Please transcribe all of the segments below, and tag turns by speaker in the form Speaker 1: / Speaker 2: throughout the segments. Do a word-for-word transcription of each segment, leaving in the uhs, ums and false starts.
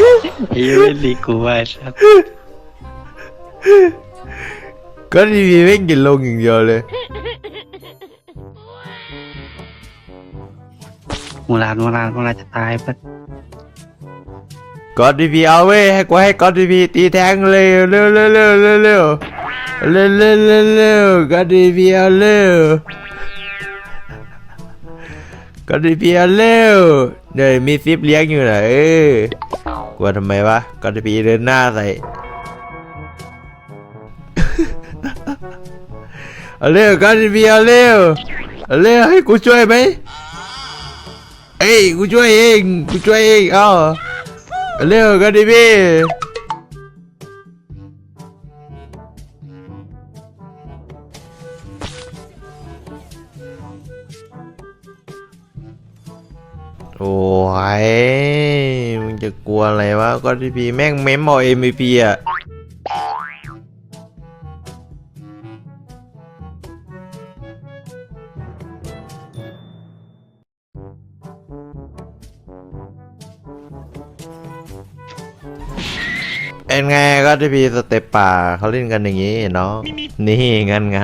Speaker 1: ไอ้เว้ยลีกูไว้สัส
Speaker 2: ก็ทีวีไม่กินลงอย่างเดียวเลย
Speaker 1: มูลานมูลานมูลานจะตายปะ
Speaker 2: กอดทีวีเอาเว้ยให้กูให้กอดทีวีตีแทงเลยเร็วเร็วเร็วเร็วเร็วเร็วเร็วเร็วเร็วกอดทีวีเอาเร็วกอดทีวีเอาเร็วเดี๋ยวมีซิปเลี้ยงอยู่นะเออกลัวทำไมวะกอดทีวีเดินหน้าใส่ เอาเร็วกอดทีวีเอาเร็วเอาเร็วให้กูช่วยไหมเอ้ยกูช่วยเองกูช่วยเองเอาเร็วกันดิพี่โอ้ยมึงจะกลัวอะไรวะก็ดิพี่แม่งเม้มเอา เอ็ม วี พี อ่ะเป็นไงก็ที่พีสเต็ปป่าเขาเล่นกันอย่างนี้เนาะนี่งั้นงั้น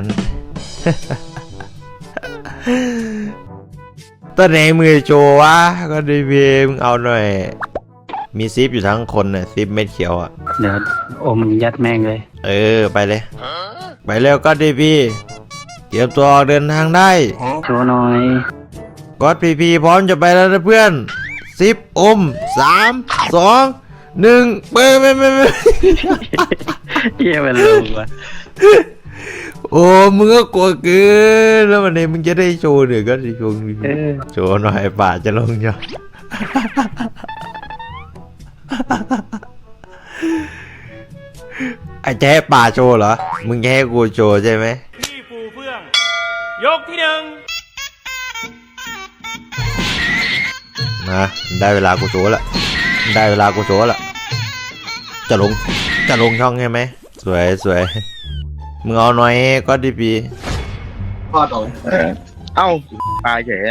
Speaker 2: ตอนไหนมือโจวะก็ที่พีมึงเอาหน่อยมีซิปอยู่ทั้งคนน่ะซิปเม็ดเขียวอ่ะ
Speaker 1: เดี๋ยวโอมันยัดแม่งเลย
Speaker 2: เออไปเลยไปเร็วก็ที่พีเตรียมตัวออกเดินทางได้
Speaker 1: โชว์หน่อย
Speaker 2: ก็พีพีพร้อมจะไปแล้วนะเพื่อนซิปอมสามสองหนึ่งเปิดไม่ไม่ไม่
Speaker 1: เยี่ยมันลงว่ะ
Speaker 2: โอ้มึงก็กลัวเกินแล้ววันนี้มึงจะได้โชว์เดี๋ยวก็จะโชว์
Speaker 1: เออ
Speaker 2: โชว์หน่อยป่าจะลงจ้ะ ไอ้แจ๊ป่าโชว์เหรอมึงแค่ให้กูโชว์ใช่ไหม
Speaker 3: พี่ฟูเฟื่อง ยกที่หนึ่ง
Speaker 2: นะได้เวลากูโชว์ละได้เวลากูโชว์ละจะลงจะลงช่องใช่ไหมสวยสวยมึงเอาหน่อยก็ดีปี
Speaker 4: พ่อต่อเอ้าตายเฉย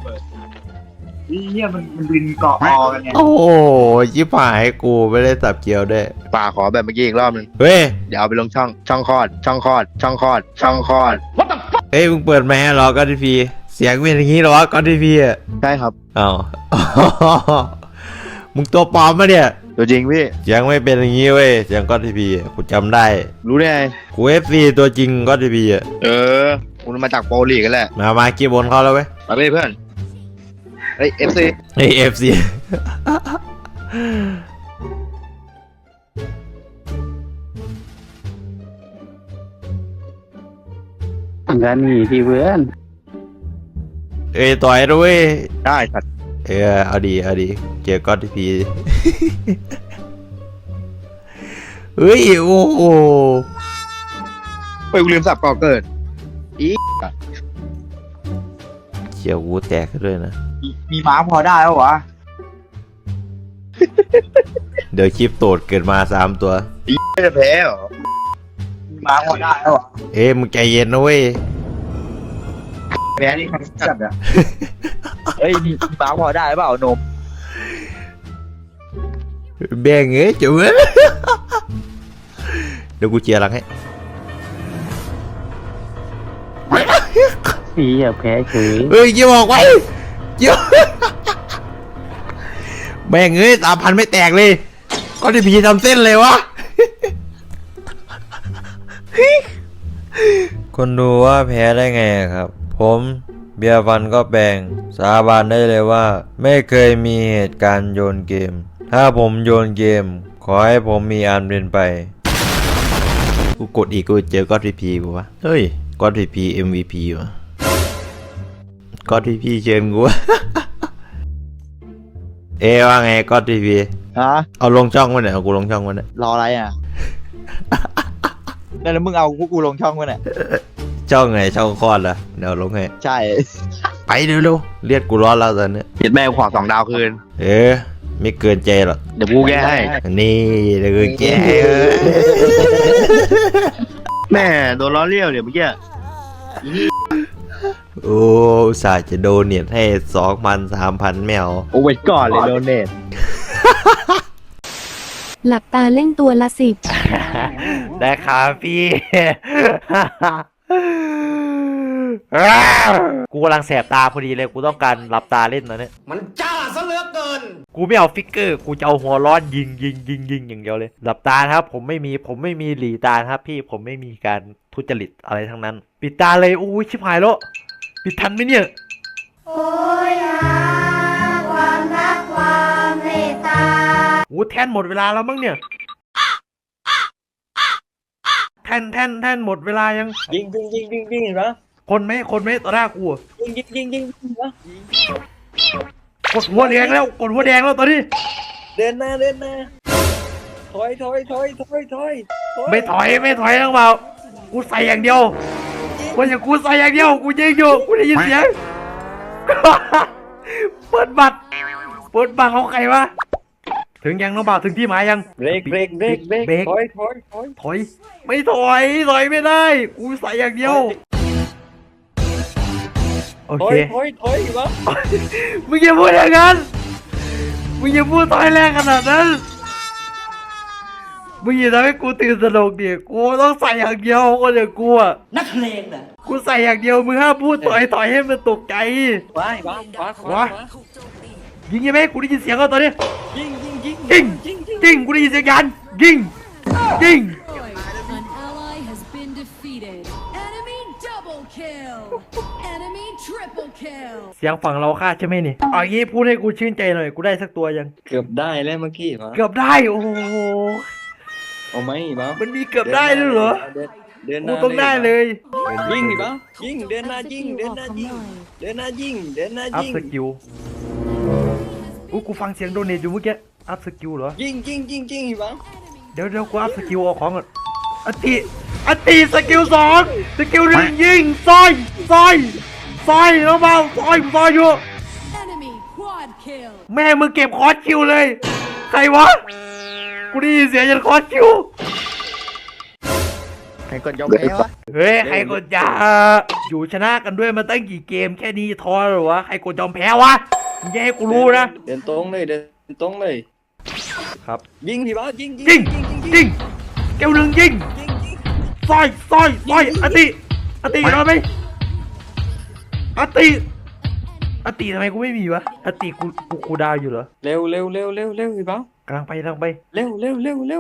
Speaker 5: เนี่ยมันมันบินเกาะคอกันไง
Speaker 2: โอ้โหยิบหายกูไม่ได้สับเกียวด้วย
Speaker 4: ป่าขอแบบเมื่อกี้อีกรอบหนึง
Speaker 2: เฮ้ย
Speaker 4: เดี๋ยวเอาไปลงช่อง ช่องคลอด ช่องคลอด ช่องคลอด ช่องคลอด
Speaker 2: เฮ้ยมึงเปิดแมสเหรอก็ดีปีเสียงเป็นอย่างนี้เหรอก็ดีปีอ่ะ
Speaker 4: ใช่ครับ
Speaker 2: อ้าว มึงตัวปลอมมาเนี่ย
Speaker 4: ตัวจริงพี่
Speaker 2: เสียงไม่เป็นอย่างนี้เว้ยเสียงก็ดีปีกูจำได้
Speaker 4: รู้ได้ไง
Speaker 2: กูเอฟซีตัวจริงก็ดีปีอ่ะ
Speaker 4: เออคุณมาจากโปรลีกกันแหละ
Speaker 2: มามากีบนเขาแล้วเว้ย
Speaker 4: มาเลยเพื่อนเฮ้ยเอฟซี
Speaker 2: เฮ้ยเอฟซี
Speaker 1: งานนี่พี่เพื่อน
Speaker 2: เอ้ยต่อยด้วย
Speaker 4: ได้สัตว์
Speaker 2: เออเอาดีเอาดีเจอก็ดีปี เฮ้ยโอ้โห
Speaker 4: ไปกูลืมสับก่อเกิด อี
Speaker 2: เฉียวกูแตกด้วยนะ
Speaker 5: มีม้าพอได้แล้ววะ
Speaker 2: เดี๋ยวคลิปโตดเกิดมาสามตัว
Speaker 4: ไม่จะแพ้เหรอ
Speaker 5: มีม้าพอได้แล้ววะ
Speaker 2: เอ้ยมึงใจเย็นนะเว้ย
Speaker 5: แพ้นี่คันจัดอะเฮ้ยมีมีม้าพอได้เปล่านม
Speaker 2: แบ่งเอ้ยจุ๋ม เดี๋ยวกูเจียร์หลังให้
Speaker 1: พี่อย่าแพ้เฉย
Speaker 2: เอ้ยเกี่ยวบอกไว้เกี่ยว แบ่งเอ้ยสามพันไม่แตกเลย ก็ที่พีทำเส้นเลยวะ คนดูว่าแพ้ได้ไงครับ ผมเบียร์ฟันก็แบ่งสาบานได้เลยว่า ไม่เคยมีเหตุการณ์โยนเกม ถ้าผมโยนเกม ขอให้ผมมีอันเป็นไป กูกดอีกกูเจอก็อดพีพีกูวะเฮ้ยก็อดพีพี เอ็ม วี พี วะก็อดพีพีเชิญกูวะ เอว่าไงก็อดพีพี
Speaker 5: ฮะ
Speaker 2: เอาลงช่องมันเนี่ยเอากูลงช่องมันเนี่ย
Speaker 5: รออะไรอ่ะ แล้วมึงเอาพวกกูลงช่องมันอ่ะ
Speaker 2: ช่องไงช่องคลอดเหรอเดี๋ยวลงให้
Speaker 5: ใช่
Speaker 2: ไปเร็วๆเรียกกูร้อนแล้วตอนเนี้ย
Speaker 4: เห็นแม่ขอสองดาวคืน
Speaker 2: เออไม่เกินใจหรอก
Speaker 4: เดี๋ยวกูแก้ให้
Speaker 2: นี่เดี๋ยวกูแก้ให้
Speaker 4: แม่โดนล้อเลี้ยวเดี๋ยวเมื่อกี้
Speaker 2: โอ้อุตส่าห์จะโดเนทให้สองพันสามพันแมว
Speaker 5: โอ้ไว้ก่อนเลยโดนเนท
Speaker 6: หลับตาเล่นตัวละสิบ
Speaker 2: ได้ครับพี่ กูกำลังแสบตาพอดีเลยกูต้องการหลับตาเล่นตอนนี้
Speaker 7: มันจ้าซะเหลือเกิน
Speaker 2: กูไม่เอาฟิกเกอร์กูจะเอาหัวร้อนยิงยิงยิงยิงอย่างเดียวเลยหลับตานะครับ ผมไม่มีผมไม่มีหลีตาครับพี่ผมไม่มีการทุจริตอะไรทั้งนั้น ปิดตาเลยอู้ยชิบหายแล้วปิดทันไหมเนี่ย
Speaker 8: โอ้ยหาความรักความเมตตา
Speaker 2: โอ้แทนหมดเวลาแล้วมั้งเนี่ยแทนแทนแทนหมดเวลายัง
Speaker 5: ยิงยิงยิงยิงยิงเห็นปะ
Speaker 2: คนไหมคนไหมต่อหน้ากูอะ
Speaker 5: ยิงยิงยิงยิงยิงปะ
Speaker 2: กดหัวแดงแล้วกดหัวแดงแล้วตอนนี้
Speaker 5: เดินหน้าเดินหน้าถอยถอยถอยถอยถอย
Speaker 2: ไม่ถอยไม่ถอยทั้งเบากูใส่อย่างเดียวกูอย่างกูใส่อย่างเดียวกูยิงอยู่กูได้ยินเสียง เปิดบัตรเปิดบัตรของใครวะถึงยังน้องบ่าวถึงที่หมายยัง
Speaker 5: เบรกเบรกเบรกเบรก
Speaker 2: เบรก
Speaker 5: ถอยถอยถอย
Speaker 2: ถอยไม่ถอยถอยไม่ได้กูใส่อย่างเดียวโอ
Speaker 5: ถอ
Speaker 2: เค
Speaker 5: ยถอยถอยปะ
Speaker 2: มึงอย่าพูดอย่างนั้นมึงอย่าพูดถอยแรงขนาดนั้นมึงอย่าทำให้กูตื่นตระหนกดิกูต้องใส่อย่างเดียวคนอย่างกูอะ
Speaker 7: นักเลงน่ะ
Speaker 2: กูใส่อย่างเดียวมึงห้ามพูดถอยถอยให้มันตกใจ
Speaker 5: ไปปะปะปะ
Speaker 2: วะ ยิงยังไหมกูได้ยินเสียงแล้วตอนนี้
Speaker 5: ยิงยิงยิง
Speaker 2: ยิง
Speaker 5: ยิงยิง
Speaker 2: ยิงกูได้ยินเสียงยันยิงยิง
Speaker 9: An ally has been defeated. Enemy double kill. Enemy triple kill.
Speaker 2: เสียงฝั่งเราฆ่าใช่ไหมนี่เอางี้พูดให้กูชื่นใจหน่อยกูได้สักตัวยัง
Speaker 5: เกือบได้แล้วเมื่อกี้ปะ
Speaker 2: เกือบได้โอ้โห
Speaker 5: เอาไหมปะ
Speaker 2: มันมีเกือบได้ด้วยเหรอ
Speaker 5: เดินเดินห
Speaker 2: กู
Speaker 5: น้า
Speaker 2: ต้องได้เลย
Speaker 5: ยิงดิปะยิงเดินหน้ายิงเดินหน้ายิงเดินหน้ายิงเดินหน้า
Speaker 2: อัพ
Speaker 5: ยิง
Speaker 2: สกิลอู้กูฟังเสียงโดเนทอยู่เมื่อกี้อัพสกิลเหรอ
Speaker 5: ยิงยิงยิงยิงปะ
Speaker 2: เดี๋ยวเดี๋ยวกูอัพสกิลเอาของก่อนอติอติสกิลสองสกิลหนึ่งยิงซอยซอยซอยแล้วเบาซอยซอยอยู่
Speaker 9: Enemy quad kill.
Speaker 2: แม่มึงเก็บคอร์สคิวเลย ใครวะ กูได้ยินเสียงยันคอร์สคิว
Speaker 4: ใครกดยอมแพ้วะ
Speaker 2: เฮ้ย ใครกดยาอยู่ชนะกันด้วยมาตั้งกี่เกมแค่นี้ท้อเหรอวะ ใครกดยอมแพ้วะมึงอย่าให้กูรู้นะ
Speaker 5: เดินตรงเลยเดินตรงเลย
Speaker 2: ครับ
Speaker 5: ยิงดิปะยิง
Speaker 2: ยิง ยิงเกลหนึ่งยิง
Speaker 5: ยิงยิง
Speaker 2: ซอยซอยซอยอติอติโดนไหมอติอติทำไมกูไม่มีวะอติกูกูกูดาวอยู่เหรอ
Speaker 5: เร็วเร็วเร็วเร็วเร็วดิปะ
Speaker 2: กำลังไปกำลังไป
Speaker 5: เร็วเร็วเร็วเร็ว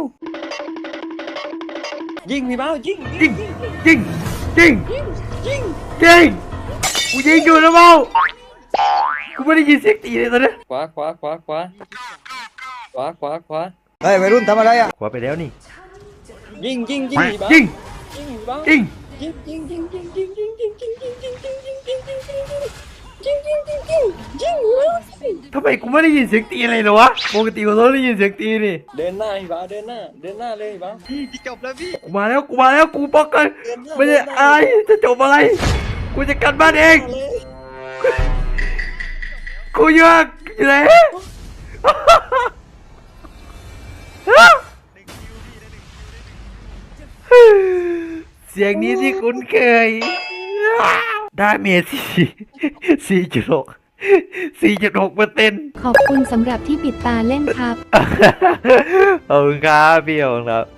Speaker 5: ยิงดิปะยิง
Speaker 2: ยิงยิงยิง
Speaker 5: ยิง
Speaker 2: ยิงกูยิงอยู่นะเมากูไม่ได้ยินเสียงตีเลยตอนนี้
Speaker 5: ขวาขวาขวาขวาขวาขวาขวา
Speaker 4: เฮ้ยวัยรุ่นทำอะไรอ่ะ
Speaker 2: ขวาไปแล้วนี่
Speaker 5: ยิงยิงยิงดิปะ
Speaker 2: ยิง
Speaker 5: ยิงดิปะ
Speaker 2: ยิง
Speaker 5: ยิงยิงยิงยิง
Speaker 9: Ding ding ding ding ding ding ding ding ding ding ding ding. Ding ding ding ding. Ding.
Speaker 2: ทำไมกูไม่ได้ยินเสียงตีอะไรเลยวะปกติกูต้องได้ยินเสียงตีนี่
Speaker 5: เดินหน้าดิปะเดินหน้าเดินหน้าเลยดิปะ
Speaker 4: พี่จบแล้วพี่
Speaker 2: กูมาแล้วกูมาแล้วกูป้องกันไม่ได้อายจะจบอะไรกูจะกันบ้านเอง
Speaker 5: เลย
Speaker 2: กูอยากอยู่ไหน เสียงนี้ที่คุ้นเคยได้เมจสี่สี่จุดหกสี่จุดหกเปอร์เซ็นต์
Speaker 6: ขอบคุณสำหรับที่ปิดตาเล่นครับ
Speaker 2: ขอบคุณครับพี่ขอบคุณครับ